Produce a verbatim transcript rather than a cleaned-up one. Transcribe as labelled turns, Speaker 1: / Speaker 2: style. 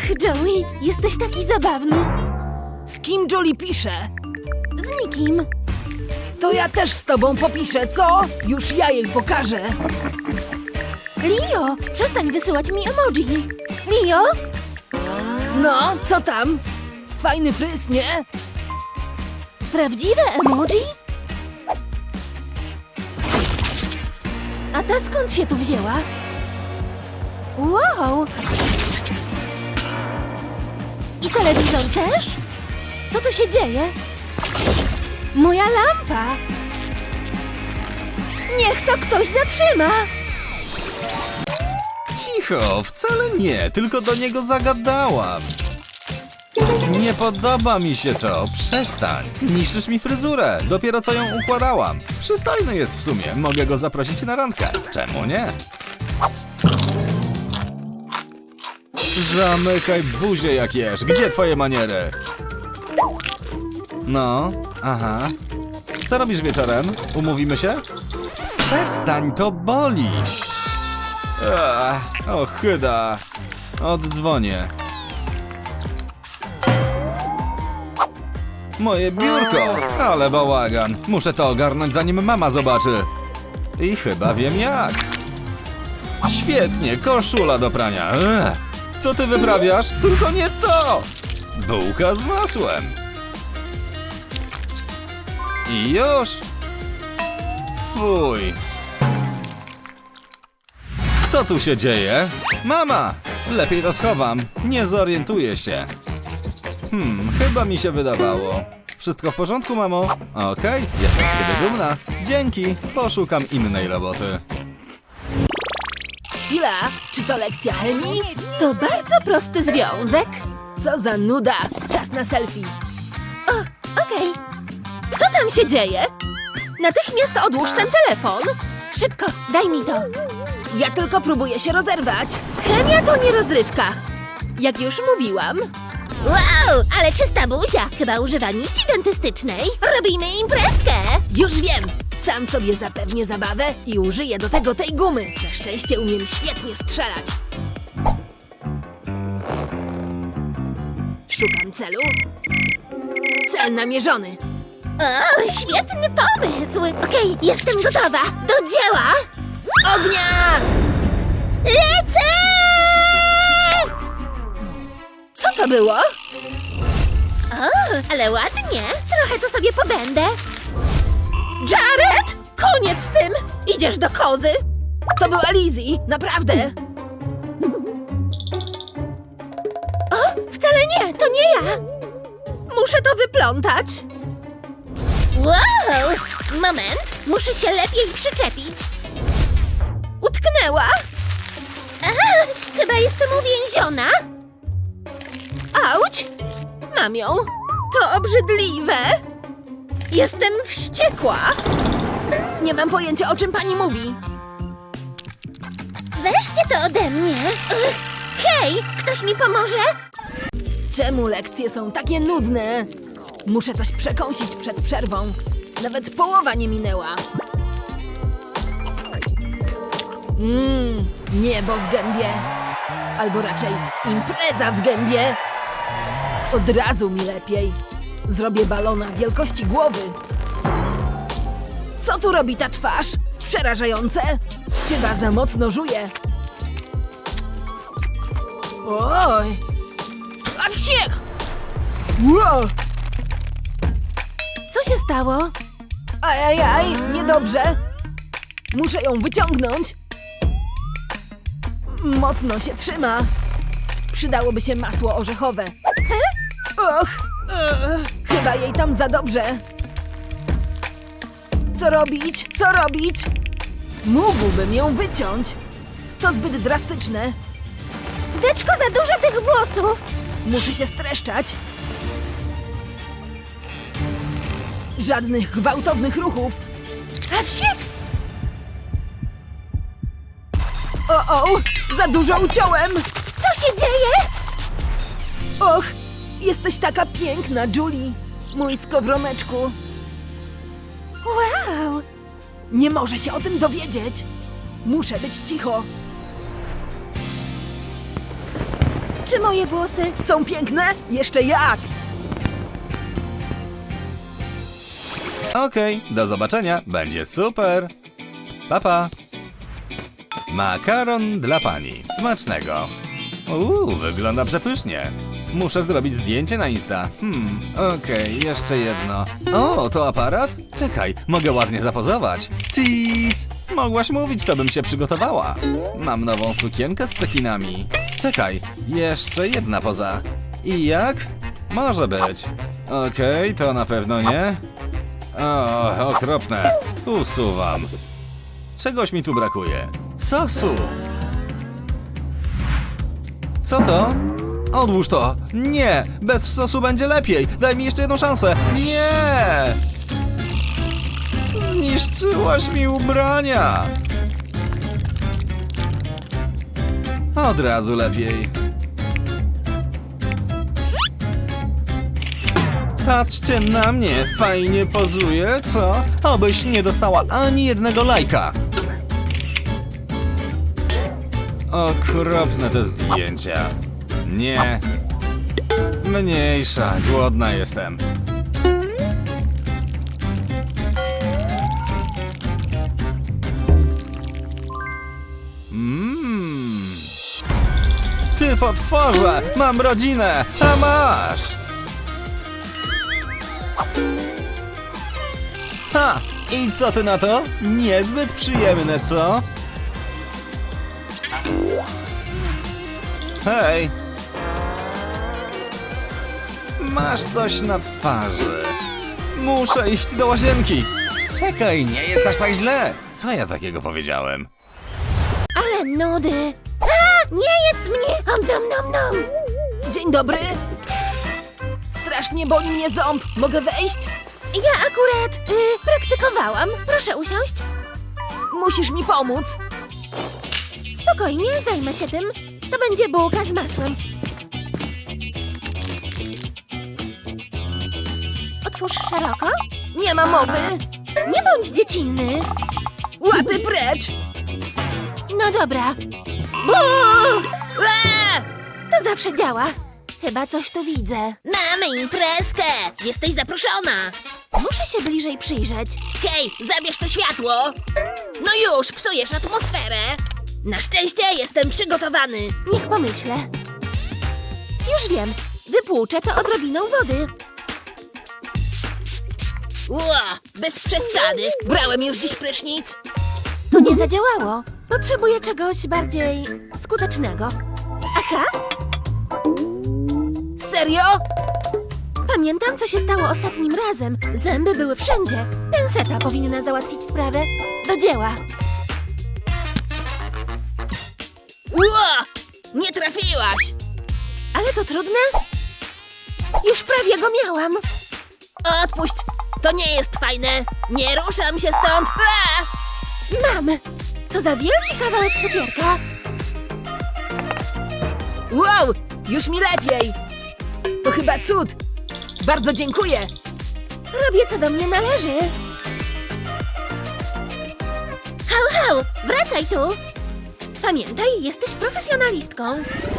Speaker 1: Ach, Joey, jesteś taki zabawny.
Speaker 2: Z kim Julie pisze?
Speaker 1: Z nikim.
Speaker 2: To ja też z tobą popiszę, co? Już ja jej pokażę.
Speaker 1: Leo, przestań wysyłać mi emoji. Leo?
Speaker 2: No, co tam? Fajny fryz, nie?
Speaker 1: Prawdziwe emoji? A ta skąd się tu wzięła? Wow! I telewizor też? Co tu się dzieje? Moja lampa! Niech to ktoś zatrzyma!
Speaker 3: Cicho, wcale nie, tylko do niego zagadałam. Nie podoba mi się to, przestań. Niszczysz mi fryzurę, dopiero co ją układałam. Przystojny jest w sumie, mogę go zaprosić na randkę. Czemu nie? Zamykaj buzię jak jesz, gdzie twoje maniery? No, aha. Co robisz wieczorem? Umówimy się? Przestań, to boli. Ach, ochyda. Oddzwonię. Moje biurko! Ale bałagan. Muszę to ogarnąć, zanim mama zobaczy. I chyba wiem jak. Świetnie, koszula do prania. Ech, co ty wyprawiasz? Tylko nie to! Bułka z masłem. I już. Fuj. Co tu się dzieje? Mama! Lepiej to schowam. Nie zorientuję się. Hmm, chyba mi się wydawało. Wszystko w porządku, mamo? Okej, jestem z ciebie dumna. Dzięki, poszukam innej roboty.
Speaker 2: Chwila, czy to lekcja chemii?
Speaker 1: To bardzo prosty związek.
Speaker 2: Co za nuda! Czas na selfie.
Speaker 1: O, okej. Co tam się dzieje? Natychmiast odłóż ten telefon. Szybko, daj mi to.
Speaker 2: Ja tylko próbuję się rozerwać.
Speaker 1: Chemia to nie rozrywka. Jak już mówiłam. Wow, ale czysta buzia. Chyba używa nici dentystycznej. Robimy imprezkę.
Speaker 2: Już wiem! Sam sobie zapewnię zabawę i użyję do tego tej gumy. Na szczęście umiem świetnie strzelać. Szukam celu. Cel namierzony.
Speaker 1: O, świetny pomysł. Okej, jestem gotowa. Do dzieła.
Speaker 2: Ognia!
Speaker 1: Lecę!
Speaker 2: Co to było?
Speaker 1: O, ale ładnie. Trochę to sobie pobędę.
Speaker 2: Jared!
Speaker 1: Koniec z tym. Idziesz do kozy.
Speaker 2: To była Lizzie, naprawdę.
Speaker 1: O, wcale nie, to nie ja.
Speaker 2: Muszę to wyplątać.
Speaker 1: Wow! Moment, muszę się lepiej przyczepić.
Speaker 2: Utknęła.
Speaker 1: A, chyba jestem uwięziona.
Speaker 2: Auć! Mam ją. To obrzydliwe. Jestem wściekła. Nie mam pojęcia, o czym pani mówi.
Speaker 1: Weźcie to ode mnie. Ugh. Hej, ktoś mi pomoże?
Speaker 2: Czemu lekcje są takie nudne? Muszę coś przekąsić przed przerwą. Nawet połowa nie minęła. Mmm, niebo w gębie. Albo raczej impreza w gębie. Od razu mi lepiej. Zrobię balona wielkości głowy. Co tu robi ta twarz? Przerażające. Chyba za mocno żuje. Oj! A ciech! Wow!
Speaker 1: Co się stało?
Speaker 2: Ajajaj, niedobrze. Muszę ją wyciągnąć. Mocno się trzyma. Przydałoby się masło orzechowe. Och, ugh, chyba jej tam za dobrze. Co robić? Co robić? Mógłbym ją wyciąć. To zbyt drastyczne.
Speaker 1: Teczko, za dużo tych włosów.
Speaker 2: Muszę się streszczać. Żadnych gwałtownych ruchów. A wsiek! O, o, za dużo uciąłem.
Speaker 1: Co się dzieje?
Speaker 2: Och, jesteś taka piękna, Julie. Mój skowroneczku.
Speaker 1: Wow!
Speaker 2: Nie może się o tym dowiedzieć. Muszę być cicho.
Speaker 1: Proszę moje włosy.
Speaker 2: Są piękne? Jeszcze jak!
Speaker 3: Okej, do zobaczenia, będzie super. Pa, pa. Makaron dla pani, smacznego. Uuu, wygląda przepysznie. Muszę zrobić zdjęcie na Insta. Hmm, okej, jeszcze jedno. O, to aparat? Czekaj, mogę ładnie zapozować. Cheese! Mogłaś mówić, to bym się przygotowała. Mam nową sukienkę z cekinami. Czekaj, jeszcze jedna poza. I jak? Może być. Okej, to na pewno nie. O, okropne. Usuwam. Czegoś mi tu brakuje. Sosu. Co to? Odłóż to! Nie! Bez sosu będzie lepiej! Daj mi jeszcze jedną szansę! Nie! Zniszczyłaś mi ubrania! Od razu lepiej. Patrzcie na mnie! Fajnie pozuję, co? Obyś nie dostała ani jednego lajka! Okropne te zdjęcia. Nie. Mniejsza, głodna jestem. Mmm. Ty potworze! Mam rodzinę! A masz! Ha! I co ty na to? Niezbyt przyjemne, co? Hej! Masz coś na twarzy. Muszę iść do łazienki. Czekaj, nie jest aż tak źle. Co ja takiego powiedziałem?
Speaker 1: Ale nudy. A, nie jedz mnie! Om nom nom nom.
Speaker 2: Dzień dobry! Strasznie boli mnie ząb. Mogę wejść?
Speaker 1: Ja akurat y, praktykowałam. Proszę usiąść.
Speaker 2: Musisz mi pomóc.
Speaker 1: Spokojnie, zajmę się tym. To będzie bułka z masłem. Otwórz szeroko.
Speaker 2: Nie ma mowy.
Speaker 1: Nie bądź dziecinny.
Speaker 2: Łapy precz!
Speaker 1: No dobra. Bu!
Speaker 2: Eee!
Speaker 1: To zawsze działa. Chyba coś tu widzę.
Speaker 4: Mamy imprezkę! Jesteś zaproszona!
Speaker 1: Muszę się bliżej przyjrzeć.
Speaker 4: Hej, zabierz to światło! No już, psujesz atmosferę! Na szczęście jestem przygotowany!
Speaker 1: Niech pomyślę. Już wiem. Wypłuczę to odrobiną wody.
Speaker 4: Ła, bez przesady! Brałem już dziś prysznic!
Speaker 1: To nie zadziałało. Potrzebuję czegoś bardziej skutecznego. Aha,
Speaker 2: Serio?
Speaker 1: pamiętam, co się stało ostatnim razem. Zęby były wszędzie. Penseta powinna załatwić sprawę. Do dzieła.
Speaker 4: Ła! Nie trafiłaś!
Speaker 1: Ale to trudne? Już prawie go miałam.
Speaker 4: Odpuść! To nie jest fajne! Nie ruszam się stąd! A!
Speaker 1: Mam. Co za wielki kawałek cukierka.
Speaker 2: Wow! Już mi lepiej! To chyba cud! Bardzo dziękuję!
Speaker 1: Robię, co do mnie należy. Hał, hał, wracaj tu. Pamiętaj, jesteś profesjonalistką.